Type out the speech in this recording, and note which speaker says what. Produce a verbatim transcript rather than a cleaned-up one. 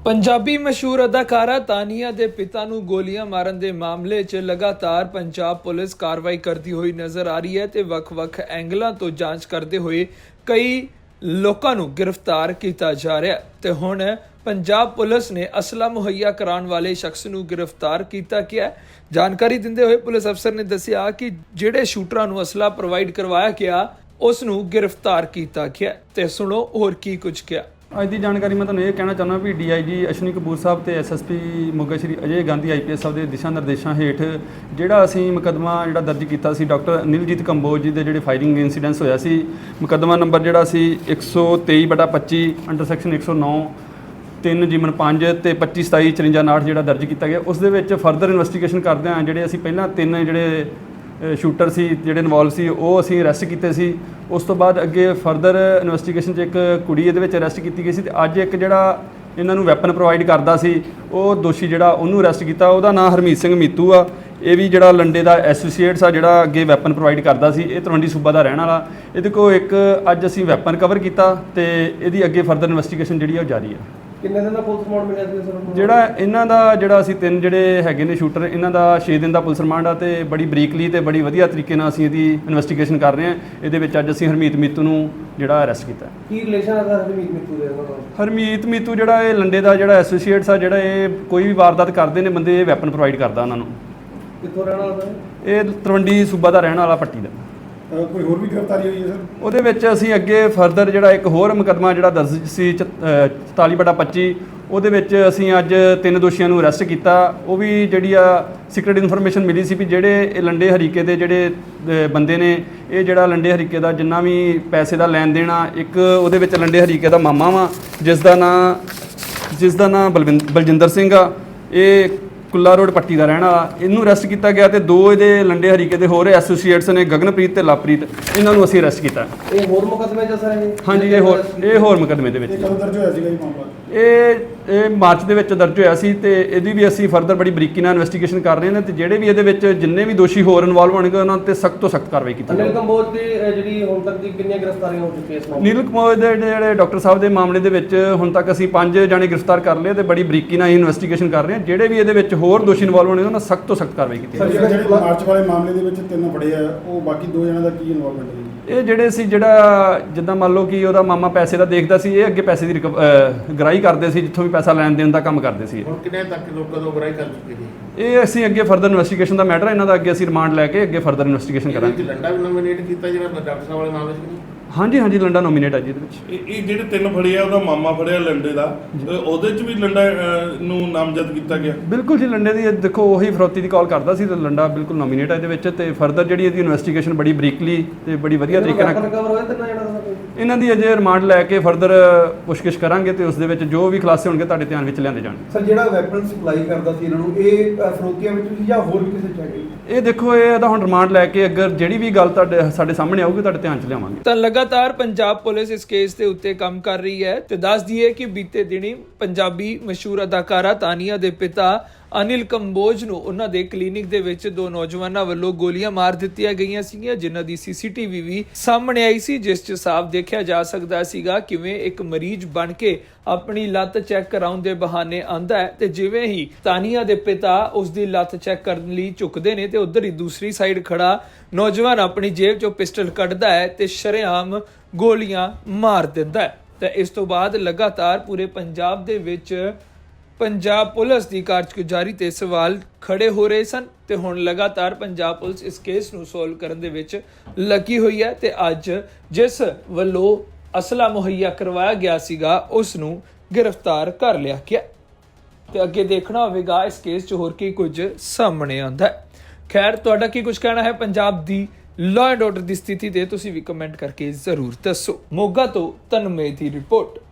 Speaker 1: ਪੰਜਾਬੀ ਮਸ਼ਹੂਰ ਅਦਾਕਾਰਾ ਤਾਨੀਆ ਦੇ ਪਿਤਾ ਨੂੰ ਗੋਲੀਆਂ ਮਾਰਨ ਦੇ ਮਾਮਲੇ 'ਚ ਲਗਾਤਾਰ ਪੰਜਾਬ ਪੁਲਿਸ ਕਾਰਵਾਈ ਕਰਦੀ ਹੋਈ ਨਜ਼ਰ ਆ ਰਹੀ ਹੈ ਤੇ ਵੱਖ-ਵੱਖ ਐਂਗਲਾਂ ਤੋਂ ਜਾਂਚ ਕਰਦੇ ਹੋਏ ਕਈ ਲੋਕਾਂ ਨੂੰ ਗ੍ਰਿਫਤਾਰ ਕੀਤਾ ਜਾ ਰਿਹਾ ਤੇ ਹੁਣ ਪੰਜਾਬ ਪੁਲਿਸ ਨੇ ਅਸਲਾ ਮੁਹੱਈਆ ਕਰਾਉਣ ਵਾਲੇ ਸ਼ਖਸ ਨੂੰ ਗ੍ਰਿਫਤਾਰ ਕੀਤਾ ਗਿਆ। ਜਾਣਕਾਰੀ ਦਿੰਦੇ ਹੋਏ ਪੁਲਿਸ ਅਫਸਰ ਨੇ ਦੱਸਿਆ ਕਿ ਜਿਹੜੇ ਸ਼ੂਟਰਾਂ ਨੂੰ ਅਸਲਾ ਪ੍ਰੋਵਾਈਡ ਕਰਵਾਇਆ ਗਿਆ ਉਸ ਨੂੰ ਗ੍ਰਿਫਤਾਰ ਕੀਤਾ ਗਿਆ ਤੇ ਸੁਣੋ ਹੋਰ ਕੀ ਕੁਝ ਕਿਹਾ।
Speaker 2: ਅੱਜ ਦੀ ਜਾਣਕਾਰੀ ਮੈਂ ਤੁਹਾਨੂੰ ਇਹ ਕਹਿਣਾ ਚਾਹੁੰਦਾ ਵੀ ਡੀ ਆਈ ਜੀ ਅਸ਼ਵਨੀ ਕਪੂਰ ਸਾਹਿਬ ਤੇ S S P Moga Shri Ajay Gandhi I P S Sahib ਦੇ ਦਿਸ਼ਾ ਨਿਰਦੇਸ਼ਾਂ ਹੇਠ ਜਿਹੜਾ ਅਸੀਂ ਮੁਕੱਦਮਾ ਜਿਹੜਾ ਦਰਜ ਕੀਤਾ ਸੀ ਡਾਕਟਰ ਅਨਿਲਜੀਤ ਕੰਬੋਜ ਜੀ ਦੇ ਜਿਹੜੇ ਫਾਇਰਿੰਗ ਇਨਸੀਡੈਂਟਸ ਹੋਇਆ ਸੀ, ਮੁਕੱਦਮਾ ਨੰਬਰ ਜਿਹੜਾ ਸੀ ਇੱਕ ਸੌ ਤੇਈ ਬਟਾ ਪੱਚੀ ਅੰਡਰ ਸੈਕਸ਼ਨ ਇੱਕ ਸੌ ਨੌ ਤਿੰਨ ਜੀਵਨ ਪੰਜ ਤੇ ਪੱਚੀ ਸਤਾਈ ਚੁਰੰਜਾ ਉਨਾਹਠ ਜਿਹੜਾ ਦਰਜ ਕੀਤਾ ਗਿਆ। ਉਸ ਦੇ ਵਿੱਚ ਫਰਦਰ ਇਨਵੈਸਟੀਗੇਸ਼ਨ ਕਰਦੇ ਹਾਂ ਜਿਹੜੇ ਅਸੀਂ ਪਹਿਲਾਂ ਤਿੰਨ ਜਿਹੜੇ ਸ਼ੂਟਰ ਸੀ ਜਿਹੜੇ ਇਨਵੋਲਵ ਸੀ ਉਹ ਅਸੀਂ ਅਰੈਸਟ ਕੀਤੇ ਸੀ। ਉਸ ਤੋਂ ਬਾਅਦ ਅੱਗੇ ਫਰਦਰ ਇਨਵੈਸਟੀਗੇਸ਼ਨ 'ਚ ਇੱਕ ਕੁੜੀ ਇਹਦੇ ਵਿੱਚ ਅਰੈਸਟ ਕੀਤੀ ਗਈ ਸੀ ਤੇ ਅੱਜ ਇੱਕ ਜਿਹੜਾ ਇਹਨਾਂ ਨੂੰ ਵੈਪਨ ਪ੍ਰੋਵਾਈਡ ਕਰਦਾ ਸੀ ਉਹ ਦੋਸ਼ੀ ਜਿਹੜਾ ਉਹਨੂੰ ਅਰੈਸਟ ਕੀਤਾ, ਉਹਦਾ ਨਾਮ ਹਰਮੀਤ ਸਿੰਘ ਮੀਤੂ ਆ। ਇਹ ਵੀ ਜਿਹੜਾ ਲੰਡੇ ਦਾ ਐਸੋਸੀਏਟਸ ਆ ਜਿਹੜਾ ਅੱਗੇ ਵੈਪਨ ਪ੍ਰੋਵਾਈਡ ਕਰਦਾ ਸੀ, ਇਹ ਤਲਵੰਡੀ ਸੂਬਾ ਦਾ ਰਹਿਣ ਵਾਲਾ। ਇਹਦੇ ਕੋਲ ਇੱਕ ਅੱਜ ਅਸੀਂ ਵੈਪਨ ਕਵਰ ਕੀਤਾ ਤੇ ਇਹਦੀ ਅੱਗੇ ਫਰਦਰ ਇਨਵੈਸਟੀਗੇਸ਼ਨ ਜਿਹੜੀ ਆ ਉਹ ਜਾਰੀ ਆ।
Speaker 3: ਕਿੰਨੇ ਦਿਨ ਦਾ ਪੁਲਿਸ ਰਿਮਾਂਡ ਮਿਲਿਆ ਸੀ ਸਰ?
Speaker 2: ਜਿਹੜਾ ਇਹਨਾਂ ਦਾ ਜਿਹੜਾ ਅਸੀਂ ਤਿੰਨ ਜਿਹੜੇ ਹੈਗੇ ਨੇ ਸ਼ੂਟਰ ਇਹਨਾਂ ਦਾ ਛੇ ਦਿਨ ਦਾ ਪੁਲਿਸ ਰਿਮਾਂਡ ਆ ਤੇ ਬੜੀ ਬਰੀਕਲੀ ਤੇ ਬੜੀ ਵਧੀਆ ਤਰੀਕੇ ਨਾਲ ਅਸੀਂ ਇਹਦੀ ਇਨਵੈਸਟੀਗੇਸ਼ਨ ਕਰ ਰਹੇ ਹਾਂ। ਇਹਦੇ ਵਿੱਚ ਅੱਜ ਅਸੀਂ ਹਰਮੀਤ ਮੀਤੂ ਨੂੰ ਜਿਹੜਾ ਅਰੈਸਟ ਕੀਤਾ।
Speaker 3: ਕੀ ਰਿਲੇਸ਼ਨ ਹੈ ਹਰਮੀਤ ਮੀਤੂ ਦੇ ਨਾਲ?
Speaker 2: ਹਰਮੀਤ ਮੀਤੂ ਜਿਹੜਾ ਇਹ ਲੰਡੇ ਦਾ ਜਿਹੜਾ ਐਸੋਸੀਏਟਸ ਆ ਜਿਹੜਾ ਇਹ ਕੋਈ ਵੀ ਵਾਰਦਾਤ ਕਰਦੇ ਨੇ ਬੰਦੇ, ਇਹ ਵੈਪਨ ਪ੍ਰੋਵਾਈਡ ਕਰਦਾ ਉਹਨਾਂ ਨੂੰ।
Speaker 3: ਕਿੱਥੋਂ ਰਹਿਣ ਵਾਲਾ ਹੈ ਇਹ?
Speaker 2: ਤਲਵੰਡੀ ਸੂਬਾ ਦਾ ਰਹਿਣ ਵਾਲਾ ਪੱਟੀ ਦਾ।
Speaker 4: ਕੋਈ ਹੋਰ ਵੀ ਗ੍ਰਿਫਤਾਰੀ ਹੋਈ ਹੈ ਸਰ?
Speaker 2: ਉਹਦੇ ਵਿੱਚ ਅਸੀਂ ਅੱਗੇ ਫਰਦਰ ਜਿਹੜਾ ਇੱਕ ਹੋਰ ਮੁਕੱਦਮਾ ਜਿਹੜਾ ਦਰਜ ਸੀ ਚੁਤਾਲੀ ਬਟਾ ਪੱਚੀ ਉਹਦੇ ਵਿੱਚ ਅਸੀਂ ਅੱਜ ਤਿੰਨ ਦੋਸ਼ੀਆਂ ਨੂੰ ਅਰੈਸਟ ਕੀਤਾ। ਉਹ ਵੀ ਜਿਹੜੀ ਆ ਸੀਕ੍ਰੇਟ ਇਨਫੋਰਮੇਸ਼ਨ ਮਿਲੀ ਸੀ ਵੀ ਜਿਹੜੇ ਇਹ ਲੰਡੇ ਹਰੀਕੇ ਦੇ ਜਿਹੜੇ ਬੰਦੇ ਨੇ, ਇਹ ਜਿਹੜਾ ਲੰਡੇ ਹਰੀਕੇ ਦਾ ਜਿੰਨਾ ਵੀ ਪੈਸੇ ਦਾ ਲੈਣ ਦੇਣ ਆ, ਇੱਕ ਉਹਦੇ ਵਿੱਚ ਲੰਡੇ ਹਰੀਕੇ ਦਾ ਮਾਮਾ ਵਾ ਜਿਸ ਦਾ ਨਾਂ ਜਿਸ ਦਾ ਨਾਂ ਬਲਵਿੰਦ ਬਲਜਿੰਦਰ ਸਿੰਘ ਆ, ਇਹ ਕੁੱਲਾ ਰੋਡ ਪੱਟੀ ਦਾ ਰਹਿਣ ਵਾਲਾ। ਇਹਨੂੰ ਅਰੈਸਟ ਕੀਤਾ ਗਿਆ ਤੇ ਦੋ ਇਹਦੇ ਲੰਡੇ ਹਰੀਕੇ ਦੇ ਹੋਰ ਐਸੋਸੀਏਟਸ ਨੇ ਗਗਨਪ੍ਰੀਤ ਤੇ ਲਵਪ੍ਰੀਤ, ਇਹਨਾਂ ਨੂੰ ਅਸੀਂ ਅਰੈਸਟ ਕੀਤਾ।
Speaker 3: ਇਹ ਹੋਰ ਮੁਕੱਦਮੇ 'ਚ ਸਰ? ਇਹ
Speaker 2: ਹਾਂਜੀ ਇਹ ਹੋਰ ਇਹ ਹੋਰ ਮੁਕੱਦਮੇ ਦੇ ਵਿੱਚ।
Speaker 4: ਇਹ ਕਦੋਂ ਦਰਜ ਹੋਇਆ ਸੀਗਾ ਇਹ ਮਾਮਲਾ?
Speaker 2: ਇਹ ਇਹ ਮਾਰਚ ਦੇ ਵਿੱਚ ਦਰਜ ਹੋਇਆ ਸੀ ਤੇ ਇਹਦੀ ਵੀ ਅਸੀਂ ਫਰਦਰ ਬੜੀ ਬਰੀਕੀ ਨਾਲ ਇਨਵੈਸਟੀਗੇਸ਼ਨ ਕਰ ਰਹੇ ਹਾਂ ਤੇ ਜਿਹੜੇ ਵੀ ਇਹਦੇ ਵਿੱਚ ਜਿੰਨੇ ਵੀ ਦੋਸ਼ੀ ਹੋਰ ਇਨਵੋਲਵ ਹੋਣਗੇ ਉਹਨਾਂ ਤੇ ਸਖਤ ਤੋਂ ਸਖਤ ਕਾਰਵਾਈ ਕੀਤੀ ਜਾਵੇਗੀ।
Speaker 3: ਅਨਿਲ ਕੰਬੋਜ ਦੀ ਜਿਹੜੀ ਹੁਣ ਤੱਕ ਦੀ ਕਿੰਨੀਆਂ ਗ੍ਰਿਫਤਾਰੀਆਂ ਹੋ ਚੁੱਕੀਆਂ ਇਸ ਮਾਮਲੇ?
Speaker 2: ਨੀਲ ਕੰਬੋਜ ਦੇ ਜਿਹੜੇ ਡਾਕਟਰ ਸਾਹਿਬ ਦੇ ਮਾਮਲੇ ਦੇ ਵਿੱਚ ਹੁਣ ਤੱਕ ਅਸੀਂ ਪੰਜ ਜਾਣੇ ਗ੍ਰਿਫਤਾਰ ਕਰ ਲਏ ਤੇ ਬੜੀ ਬਰੀਕੀ ਨਾਲ ਇਨਵੈਸਟੀਗੇਸ਼ਨ ਕਰ ਰਹੇ ਹਾਂ। ਜਿਹੜੇ ਵੀ ਇਹਦੇ ਵਿੱਚ ਹੋਰ ਦੋਸ਼ੀ ਇਨਵੋਲਵ ਹੋਣਗੇ ਉਹਨਾਂ ਸਖਤ ਤੋਂ ਸਖਤ ਕਾਰਵਾਈ ਕੀਤੀ ਜਾਵੇਗੀ।
Speaker 4: ਜਿਹੜੇ ਮਾਰਚ ਵਾਲੇ ਮਾਮਲੇ ਦੇ ਵਿੱਚ ਤਿੰਨ ਫੜੇ ਆ, ਉਹ ਬਾਕੀ ਦੋ ਜਣਾਂ ਦਾ ਕੀ ਇਨਵੋਲਵਮੈਂਟ ਹੈ?
Speaker 2: ਇਹ ਜਿਹੜੇ ਸੀ ਜਿਹੜਾ ਜਿੱਦਾਂ ਮੰਨ ਲਓ ਕਿ ਉਹਦਾ ਮਾਮਾ ਪੈਸੇ ਦਾ ਦੇਖਦਾ ਸੀ, ਇਹ ਅੱਗੇ ਪੈਸੇ ਦੀ ਗ੍ਰਾਹੀ ਕਰਦੇ ਸੀ, ਜਿੱਥੋਂ ਵੀ ਪੈਸਾ ਲੈਣ ਦੇਣ ਦਾ ਕੰਮ ਕਰਦੇ ਸੀ।
Speaker 5: ਹੁਣ ਕਿੰਨੇ ਤੱਕ ਲੋਕਾਂ ਤੋਂ ਗ੍ਰਾਹੀ ਕਰ ਚੁੱਕੇ ਨੇ?
Speaker 2: ਇਹ ਅਸੀਂ ਅੱਗੇ ਫਰਦਰ ਇਨਵੈਸਟੀਗੇਸ਼ਨ ਦਾ ਮੈਟਰ ਇਹਨਾਂ ਦਾ ਅੱਗੇ ਅਸੀਂ ਰਿਮਾਂਡ ਲੈ ਕੇ ਅੱਗੇ ਫਰਦਰ ਇਨਵੈਸਟੀਗੇਸ਼ਨ ਕਰਾਂਗੇ।
Speaker 5: ਲੰਡਾ ਵੀ ਨੋਮੀਨੇਟ ਕੀਤਾ ਜਿਹੜਾ ਡਾਕਟਰ ਸਾਹਿਬ ਵਾਲੇ ਮਾਮਲੇ 'ਚ?
Speaker 2: ਹਾਂਜੀ ਹਾਂਜੀ ਲੰਡਾ ਨੋਮੀਨੇਟ ਹੈ ਜੀ ਇਹਦੇ ਵਿੱਚ।
Speaker 6: ਇਹ ਇਹ ਜਿਹੜੇ ਤਿੰਨ ਫੜੇ ਆ ਉਹਦਾ ਮਾਮਾ ਫੜਿਆ ਲੰਡੇ ਦਾ, ਉਹਦੇ 'ਚ ਵੀ ਲੰਡਾ ਅਹ, ਨੂੰ ਨਾਮਜ਼ਦ ਕੀਤਾ ਗਿਆ?
Speaker 2: ਬਿਲਕੁਲ ਜੀ, ਲੰਡੇ ਦੀ ਦੇਖੋ ਉਹੀ ਫਰੋਤੀ ਦੀ ਕਾਲ ਕਰਦਾ ਸੀ ਤੇ ਲੰਡਾ ਬਿਲਕੁਲ ਨੋਮੀਨੇਟ ਹੈ ਇਹਦੇ ਵਿੱਚ ਤੇ ਫਰਦਰ ਜਿਹੜੀ ਇਹਦੀ ਇਨਵੈਸਟੀਗੇਸ਼ਨ ਬੜੀ ਬਰੀਕਲੀ ਤੇ ਬੜੀ ਵਧੀਆ ਤਰੀਕੇ ਨਾਲ
Speaker 3: ਕਵਰ ਹੋਇਆ ਤਿੰਨਾਂ ਜਣਾਂ ਦਾ?
Speaker 2: ਇਹਨਾਂ ਦੀ ਅਜੇ ਰਿਮਾਂਡ ਲੈ ਕੇ ਫਰਦਰ ਪੁੱਛਗਿੱਛ ਕਰਾਂਗੇ ਤੇ ਉਸ ਦੇ ਵਿੱਚ ਜੋ ਵੀ ਖੁਲਾਸੇ ਹੋਣਗੇ ਤੁਹਾਡੇ ਧਿਆਨ ਵਿੱਚ ਲਿਆਂਦੇ ਜਾਣਗੇ।
Speaker 7: ਸਰ ਜਿਹੜਾ ਵੈਪਨ ਸਪਲਾਈ ਕਰਦਾ ਸੀ ਇਹਨਾਂ ਨੂੰ, ਇਹ ਫਰੋਤੀਆਂ ਵਿੱਚ ਸੀ ਜਾਂ ਹੋਰ ਵੀ ਕਿਸੇ ਚ ਹੈਗੇ?
Speaker 2: ਇਹ ਦੇਖੋ ਇਹ ਇਹਦਾ ਹੁਣ ਰਿਮਾਂਡ ਲੈ ਕੇ ਅਗਰ ਜਿਹੜੀ ਵੀ ਗੱਲ ਤੁਹਾਡੇ ਸਾਡੇ ਸਾਹਮਣੇ ਆਊਗੀ ਤੁਹਾਡੇ ਧਿਆਨ 'ਚ ਲਿਆਵਾਂਗੇ।
Speaker 1: ਤਾਂ ਲਗਾਤਾਰ ਪੰਜਾਬ ਪੁਲਿਸ ਇਸ ਕੇਸ ਦੇ ਉੱਤੇ ਕੰਮ ਕਰ ਰਹੀ ਹੈ ਤੇ ਦੱਸ ਦਈਏ ਕਿ ਬੀਤੇ ਦਿਨੀ ਪੰਜਾਬੀ ਮਸ਼ਹੂਰ ਅਦਾਕਾਰਾ ਤਾਨੀਆ ਦੇ ਪਿਤਾ ਅਨਿਲ ਕੰਬੋਜ ਨੂੰ ਉਹਨਾਂ ਦੇ ਕਲੀਨਿਕ ਦੇ ਵਿੱਚ ਦੋ ਨੌਜਵਾਨਾਂ ਵੱਲੋਂ ਗੋਲੀਆਂ ਮਾਰ ਦਿੱਤੀਆਂ ਗਈਆਂ ਸੀਗੀਆਂ, ਜਿਨ੍ਹਾਂ ਦੀ ਸੀਸੀਟੀਵੀ ਵੀ ਸਾਹਮਣੇ ਆਈ ਸੀ, ਜਿਸ 'ਚ ਸਾਫ਼ ਦੇਖਿਆ ਜਾ ਸਕਦਾ ਸੀਗਾ ਕਿਵੇਂ ਇੱਕ ਮਰੀਜ਼ ਬਣ ਕੇ ਆਪਣੀ ਲੱਤ ਚੈੱਕ ਕਰਾਉਣ ਦੇ ਬਹਾਨੇ ਆਂਦਾ ਹੈ ਤੇ ਜਿਵੇਂ ਹੀ ਤਾਨੀਆ ਦੇ ਪਿਤਾ ਉਸ ਦੀ ਲੱਤ ਚੈੱਕ ਕਰਨ ਲਈ ਝੁਕਦੇ ਨੇ ਤੇ ਉਧਰ ਹੀ ਦੂਸਰੀ ਸਾਈਡ ਖੜਾ ਨੌਜਵਾਨ ਆਪਣੀ ਜੇਬ 'ਚੋਂ ਪਿਸਟਲ ਕੱਢਦਾ ਹੈ ਤੇ ਸ਼ਰੇਆਮ ਗੋਲੀਆਂ ਮਾਰ ਦਿੰਦਾ ਹੈ। ਤੇ ਇਸ ਤੋਂ ਬਾਅਦ ਲਗਾਤਾਰ ਪੂਰੇ ਪੰਜਾਬ ਦੇ ਵਿੱਚ ਪੰਜਾਬ ਪੁਲਿਸ ਦੀ ਕਾਰਜਗੁਜ਼ਾਰੀ ਤੇ ਸਵਾਲ ਖੜੇ ਹੋ ਰਹੇ ਸਨ ਤੇ ਹੁਣ ਲਗਾਤਾਰ ਪੰਜਾਬ ਪੁਲਿਸ ਇਸ ਕੇਸ ਨੂੰ ਸੋਲਵ ਕਰਨ ਦੇ ਵਿੱਚ ਲੱਗੀ ਹੋਈ ਹੈ ਤੇ ਅੱਜ ਜਿਸ ਵੱਲੋਂ ਅਸਲਾ ਮੁਹੱਈਆ ਕਰਵਾਇਆ ਗਿਆ ਸੀਗਾ ਉਸ ਨੂੰ ਗ੍ਰਿਫਤਾਰ ਕਰ ਲਿਆ ਗਿਆ ਤੇ ਅੱਗੇ ਦੇਖਣਾ ਹੋਵੇਗਾ ਇਸ ਕੇਸ 'ਚ ਹੋਰ ਕੀ ਕੁਝ ਸਾਹਮਣੇ ਆਉਂਦਾ ਹੈ। ਖੈਰ, ਤੁਹਾਡਾ ਕੀ ਕੁਝ ਕਹਿਣਾ ਹੈ ਪੰਜਾਬ ਦੀ ਲਾਅ ਐਂਡ ਆਰਡਰ ਦੀ ਸਥਿਤੀ ਤੇ ਤੁਸੀਂ ਵੀ ਕਮੈਂਟ ਕਰਕੇ ਜ਼ਰੂਰ ਦੱਸੋ। ਮੋਗਾ ਤੋਂ ਤਨਮੇ ਦੀ ਰਿਪੋਰਟ।